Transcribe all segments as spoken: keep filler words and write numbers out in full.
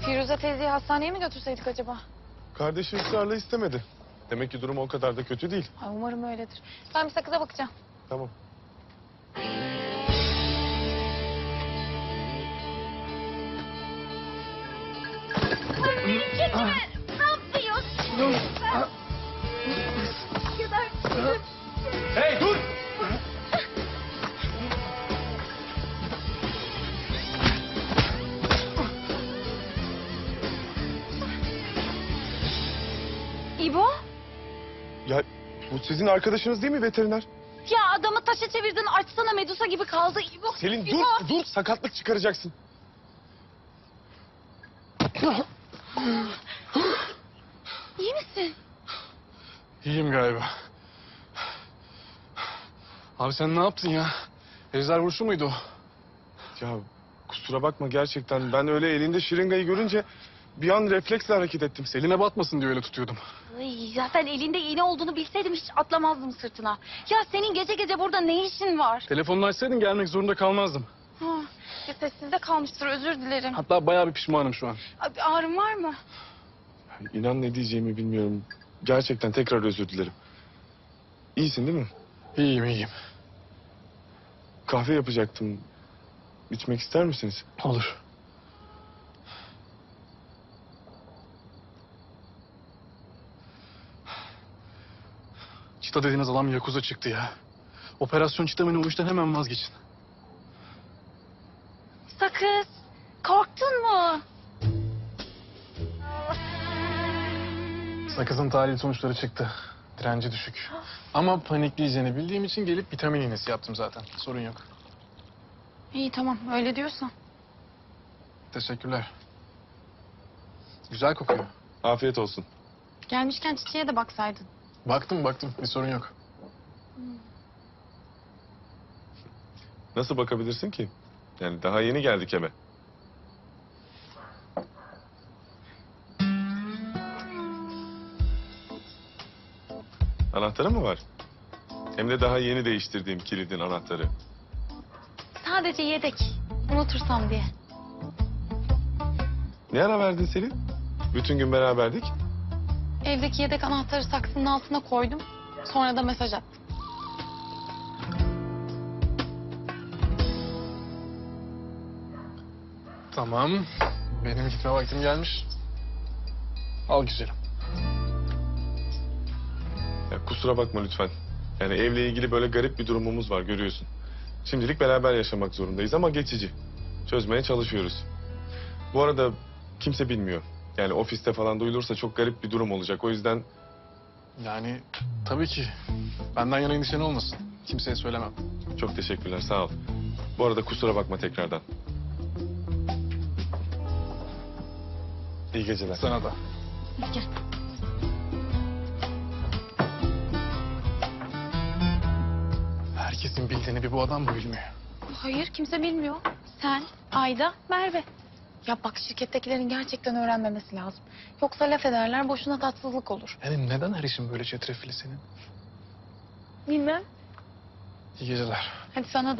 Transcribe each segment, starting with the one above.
Firuze teyzeyi hastaneye mi götürseydik acaba? Kardeşi ısrarla istemedi. Demek ki durum o kadar da kötü değil. Ay, umarım öyledir. Ben bir sakıza bakacağım. Tamam. Çekler! Ne yapıyorsun? Kadar... Hey dur! İbo? Ya bu sizin arkadaşınız değil mi veteriner? Ya adamı taşa çevirdin, açsana, Medusa gibi kaldı İbo. Selin İbo. dur dur sakatlık çıkaracaksın. İyi misin? İyiyim galiba. Abi sen ne yaptın ya? Ejder vuruşu muydu o? Ya kusura bakma gerçekten ben öyle elinde şırıngayı görünce bir an refleksle hareket ettim. Selin Eline batmasın diye öyle tutuyordum. Ay, zaten elinde iğne olduğunu bilseydim hiç atlamazdım sırtına. Ya senin gece gece burada ne işin var? Telefonunu açsaydın gelmek zorunda kalmazdım. Ha, ya sessizde kalmıştır, özür dilerim. Hatta bayağı bir pişmanım şu an. Abi, ağrın var mı? İnan ne diyeceğimi bilmiyorum. Gerçekten tekrar özür dilerim. İyisin değil mi? İyiyim iyiyim. Kahve yapacaktım. İçmek ister misiniz? Olur. Çita dediğiniz adam Yakuza çıktı ya. Operasyon Çitamen'i o işten hemen vazgeçin. Sakız, korktun mu? Sakızın tahlil sonuçları çıktı. Direnci düşük. Ama panikleyeceğini bildiğim için gelip vitamin iğnesi yaptım zaten. Sorun yok. İyi tamam, öyle diyorsan. Teşekkürler. Güzel kokuyor. Afiyet olsun. Gelmişken çiçeğe de baksaydın. Baktım baktım bir sorun yok. Nasıl bakabilirsin ki? Yani daha yeni geldik eve. Anahtarı mı var? Hem de daha yeni değiştirdiğim kilidin anahtarı. Sadece yedek, unutursam diye. Ne ara verdin Selin? Bütün gün beraberdik. Evdeki yedek anahtarı saksının altına koydum. Sonra da mesaj attım. Tamam. Benim gitme vaktim gelmiş. Al güzelim. Ya kusura bakma lütfen. Yani evle ilgili böyle garip bir durumumuz var görüyorsun. Şimdilik beraber yaşamak zorundayız ama geçici. Çözmeye çalışıyoruz. Bu arada kimse bilmiyor. Yani ofiste falan duyulursa çok garip bir durum olacak. O yüzden Yani tabii ki. Benden yana endişen olmasın. Kimseye söylemem. çok teşekkürler sağ ol. Bu arada kusura bakma tekrardan. İyi geceler. Sana da. Hadi gel. Herkesin bildiğini bir bu adam bu bilmiyor. Hayır, kimse bilmiyor. Sen, Ayda, Merve. Ya bak, şirkettekilerin gerçekten öğrenmemesi lazım. Yoksa laf ederler, boşuna tatsızlık olur. Yani neden her işin böyle çetrefilli senin? Bilmem. İyi geceler. Hadi sana da.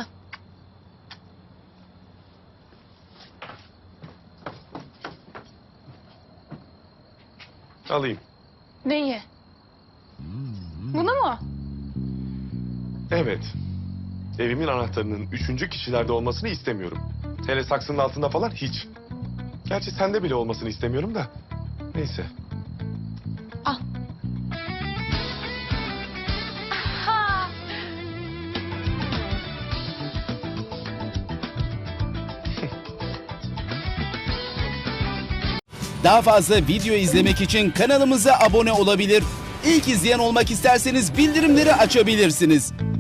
Alayım. Neyi? Bunu mu? Evet. Evimin anahtarının üçüncü kişilerde olmasını istemiyorum. Hele saksının altında falan hiç. Gerçi sende bile olmasını istemiyorum da. Neyse. Al. Ha! Daha fazla video izlemek için kanalımıza abone olabilir. İlk izleyen olmak isterseniz bildirimleri açabilirsiniz.